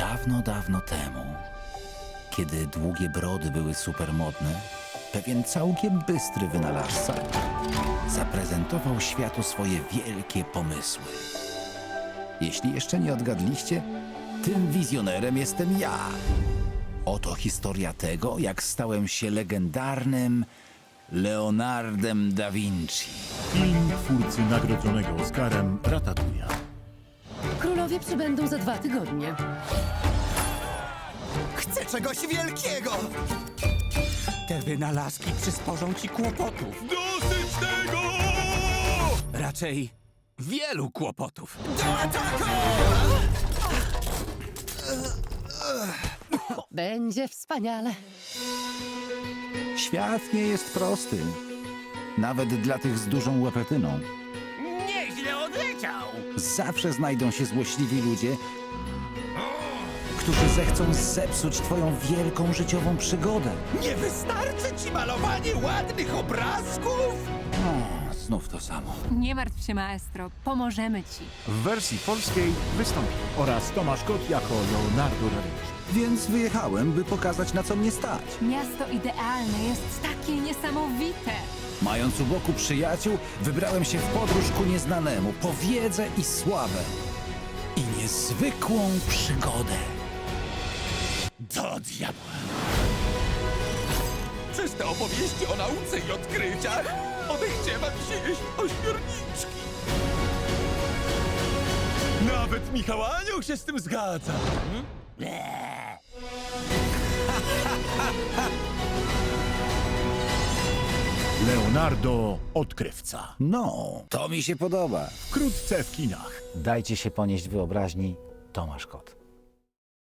Dawno, dawno temu, kiedy długie brody były supermodne, pewien całkiem bystry wynalazca zaprezentował światu swoje wielkie pomysły. Jeśli jeszcze nie odgadliście, tym wizjonerem jestem ja. Oto historia tego, jak stałem się legendarnym Leonardem da Vinci. Film twórcy nagrodzonego Oscarem Ratatouille. Królowie przybędą za 2 tygodnie. Chcę czegoś wielkiego! Te wynalazki przysporzą ci kłopotów. Dosyć tego! Raczej wielu kłopotów. Do ataku! Będzie wspaniale. Świat nie jest prosty, nawet dla tych z dużą łepetyną. Nieźle odleciał! Zawsze znajdą się złośliwi ludzie, którzy zechcą zepsuć twoją wielką życiową przygodę. Nie wystarczy ci malowanie ładnych obrazków? O, znów to samo. Nie martw się, maestro. Pomożemy ci. W wersji polskiej wystąpił oraz Tomasz Kot jako Leonardo da Vinci. Więc wyjechałem, by pokazać, na co mnie stać. Miasto idealne jest takie niesamowite. Mając u boku przyjaciół, wybrałem się w podróż ku nieznanemu, po wiedzę i sławę. I niezwykłą przygodę. Do diabła! Czyste opowieści o nauce i odkryciach. Odechciewa mi się jeść ośmiorniczki. Nawet Michał Anioł się z tym zgadza. Leonardo Odkrywca. No, to mi się podoba. Wkrótce w kinach. Dajcie się ponieść wyobraźni. Tomasz Kot.